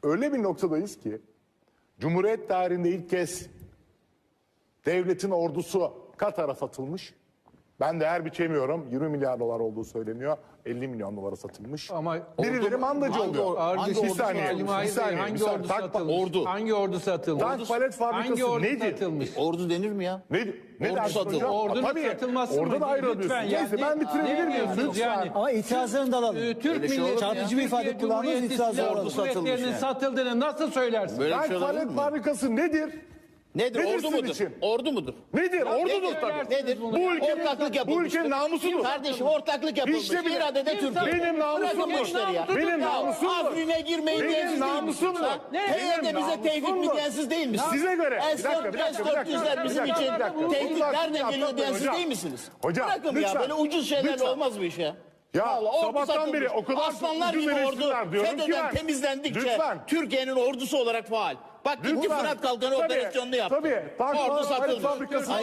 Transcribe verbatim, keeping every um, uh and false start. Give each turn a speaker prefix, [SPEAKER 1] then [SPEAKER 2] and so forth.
[SPEAKER 1] öyle bir noktadayız ki Cumhuriyet tarihinde ilk kez devletin ordusu Katar'a satılmış. Ben değer biçemiyorum. yirmi milyar dolar olduğu söyleniyor. elli milyon dolara satılmış.
[SPEAKER 2] Ama
[SPEAKER 1] birileri mandacı
[SPEAKER 3] hangi
[SPEAKER 1] oluyor.
[SPEAKER 3] or- hangi
[SPEAKER 1] Bir
[SPEAKER 3] ordu
[SPEAKER 1] saniye,
[SPEAKER 2] Ali
[SPEAKER 1] bir
[SPEAKER 2] Mahir Bey,
[SPEAKER 1] saniye, bir
[SPEAKER 2] hangi
[SPEAKER 1] saniye.
[SPEAKER 2] ordu
[SPEAKER 1] Tank-
[SPEAKER 2] satılmış?
[SPEAKER 3] ordu.
[SPEAKER 2] Hangi ordu satılmış?
[SPEAKER 1] Tank palet fabrikası
[SPEAKER 2] Hangi ordu
[SPEAKER 1] nedir?
[SPEAKER 2] satılmış?
[SPEAKER 3] Ordu denir mi ya?
[SPEAKER 1] Ne, ne
[SPEAKER 3] Ordu
[SPEAKER 1] dersin
[SPEAKER 3] satıldı.
[SPEAKER 1] hocam?
[SPEAKER 2] Ordunun
[SPEAKER 1] Tabii,
[SPEAKER 2] satılması
[SPEAKER 1] orada
[SPEAKER 2] mı?
[SPEAKER 1] da ayrılıyorsun.
[SPEAKER 2] Lütfen
[SPEAKER 1] Neyse
[SPEAKER 2] yani.
[SPEAKER 1] ben bitirebilir
[SPEAKER 2] Ne
[SPEAKER 1] miyim?
[SPEAKER 2] diyorsunuz
[SPEAKER 1] Lütfen.
[SPEAKER 2] yani?
[SPEAKER 4] Ama itirazlarını da alalım.
[SPEAKER 2] Ee, Türk
[SPEAKER 3] Öyle şey olur mu
[SPEAKER 2] milleti,
[SPEAKER 3] ya?
[SPEAKER 4] Çarpıcı bir ifade
[SPEAKER 2] Türkiye
[SPEAKER 4] kullandınız,
[SPEAKER 2] Cumhuriyeti
[SPEAKER 4] itirazı
[SPEAKER 2] Silahlı
[SPEAKER 4] alalım.
[SPEAKER 2] Kuvvetleri'nin
[SPEAKER 3] Yani.
[SPEAKER 2] satıldığını nasıl söylersin?
[SPEAKER 3] Böyle bir
[SPEAKER 1] Tank
[SPEAKER 3] şey olabilir
[SPEAKER 1] palet
[SPEAKER 3] mi?
[SPEAKER 1] fabrikası nedir?
[SPEAKER 3] Nedir?
[SPEAKER 1] Nedir
[SPEAKER 3] Ordu
[SPEAKER 1] sizin
[SPEAKER 3] mudur?
[SPEAKER 1] için?
[SPEAKER 3] Ordu mudur?
[SPEAKER 1] Nedir? Ordudur
[SPEAKER 2] nedir?
[SPEAKER 1] tabii.
[SPEAKER 3] Nedir?
[SPEAKER 2] Bu
[SPEAKER 1] Bu ülkenin,
[SPEAKER 3] ortaklık yapılmıştır.
[SPEAKER 1] bu ülkenin namusudur.
[SPEAKER 3] Kardeşim ortaklık yapılmış.
[SPEAKER 1] İşte bile-
[SPEAKER 3] bir adet de
[SPEAKER 2] Kim
[SPEAKER 3] Türkiye.
[SPEAKER 2] satıyor?
[SPEAKER 1] Benim namusum
[SPEAKER 3] Bırakın bu
[SPEAKER 1] bu.
[SPEAKER 3] işleri ya.
[SPEAKER 1] Benim
[SPEAKER 3] Ya,
[SPEAKER 1] namusum bu.
[SPEAKER 3] Afrine girmeyin
[SPEAKER 1] Benim
[SPEAKER 3] diyensiz değil
[SPEAKER 1] namusum
[SPEAKER 3] misiniz?
[SPEAKER 1] bu.
[SPEAKER 3] Ha? H Y de
[SPEAKER 1] Benim
[SPEAKER 3] bize tehdit
[SPEAKER 1] namusum
[SPEAKER 3] mi
[SPEAKER 1] bu.
[SPEAKER 3] diyensiz değil misiniz?
[SPEAKER 1] Size göre. Bir
[SPEAKER 3] S
[SPEAKER 1] dakika, bir dakika, bir dakika.
[SPEAKER 3] dört yüzler bizim
[SPEAKER 1] Bir dakika,
[SPEAKER 3] için
[SPEAKER 1] bir dakika.
[SPEAKER 3] tehdit
[SPEAKER 1] Bunlar
[SPEAKER 3] nereden
[SPEAKER 1] yapmayın
[SPEAKER 3] geliyor diyensiz
[SPEAKER 1] hocam.
[SPEAKER 3] değil misiniz?
[SPEAKER 1] Hocam,
[SPEAKER 3] Bırakın
[SPEAKER 1] lütfen.
[SPEAKER 3] ya böyle ucuz şeylerle
[SPEAKER 1] Lütfen.
[SPEAKER 3] olmaz bu iş ya.
[SPEAKER 1] Ya,
[SPEAKER 3] Vallahi ordu
[SPEAKER 1] sabahtan
[SPEAKER 3] satılmış.
[SPEAKER 1] beri o kadar çok
[SPEAKER 3] Aslanlar
[SPEAKER 1] ucuz
[SPEAKER 3] gibi ordu
[SPEAKER 1] eleştiriler diyorum ki
[SPEAKER 3] FETÖ'den
[SPEAKER 1] ben.
[SPEAKER 3] temizlendikçe
[SPEAKER 1] Lütfen.
[SPEAKER 3] Türkiye'nin ordusu olarak faal. Bak gitti
[SPEAKER 1] Lütfen.
[SPEAKER 3] Fırat Kalkanı
[SPEAKER 1] Tabii,
[SPEAKER 3] operasyonunu yaptı.
[SPEAKER 1] tabii. Tank
[SPEAKER 3] Ordu
[SPEAKER 1] palet
[SPEAKER 3] satılmış.
[SPEAKER 1] fabrikası